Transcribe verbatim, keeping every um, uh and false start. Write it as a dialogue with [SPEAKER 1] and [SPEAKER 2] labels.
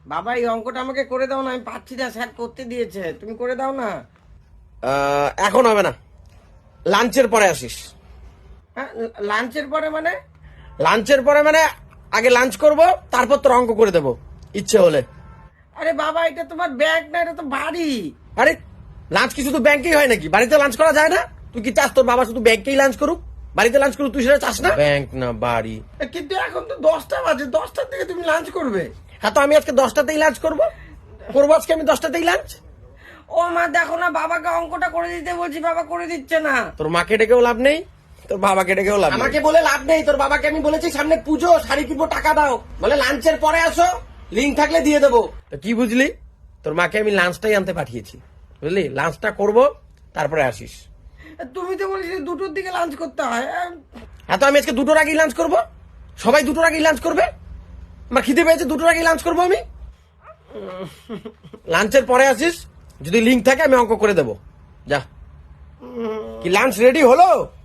[SPEAKER 1] বাবা এই অঙ্কটা আমাকে করে দাও না, আমি পাচ্ছি না, স্যার করতে দিয়েছে, তুমি করে দাও না।
[SPEAKER 2] আহ, এখন হবে না, লাঞ্চের পরে আসিস।
[SPEAKER 1] হ্যাঁ, লাঞ্চের পরে মানে?
[SPEAKER 2] লাঞ্চের পরে মানে আগে লাঞ্চ করব, তারপর তোর অঙ্ক করে দেবো ইচ্ছে হলে।
[SPEAKER 1] আরে বাবা এটা তোমার ব্যাগ না, এটা তো বাড়ি।
[SPEAKER 2] আরে লাঞ্চ কি শুধু ব্যাংকেই হয় নাকি? বাড়িতে লাঞ্চ করা যায় না? তুই কি চাস তোর বাবা শুধু ব্যাংকেই লাঞ্চ করুক, বাড়িতে লাঞ্চ করুক? তুই সেটা চাস না? ব্যাংক না বাড়ি।
[SPEAKER 1] কিন্তু এখন তো দশটা বাজে, দশটার দিকে তুমি লাঞ্চ করবে।
[SPEAKER 2] হ্যাঁ, তো আমি আজকে দশটাতেই লাঞ্চ করব করবো আজকে আমি দশটাতেই লাঞ্চ।
[SPEAKER 1] ও মা দেখো না, বাবাকে অঙ্কটা করে দিতে বলছি, বাবা করে দিচ্ছে না।
[SPEAKER 2] তোর মাকে ডেকেও লাভ নেই, তোর বাবাকে ডেকেও লাভ নেই। আমাকে বলে লাভ নেই, তোর বাবাকে আমি বলেছি সামনে পুজো, শাড়ি কিনবো, টাকা দাও, বলে লাঞ্চের পরে আসো, লিঙ্ক থাকলে দিয়ে দেবো। তো কি বুঝলি, তোর মাকে আমি লাঞ্চটাই আনতে পাঠিয়েছি, বুঝলি? লাঞ্চটা করব, তারপরে আসিস।
[SPEAKER 1] তুমি তো বলেছিলে দুটোর দিকে লাঞ্চ করতে হয়।
[SPEAKER 2] হ্যাঁ, তো আমি আজকে দুটোর আগেই লাঞ্চ করব, সবাই দুটোর আগেই লাঞ্চ করবে। আমার খিদে পেয়েছে, দুটোর আগেই লাঞ্চ করবো আমি। লাঞ্চের পরে আসিস, যদি লিঙ্ক থাকে আমি অঙ্ক করে দেবো। যা, কি লাঞ্চ রেডি হলো?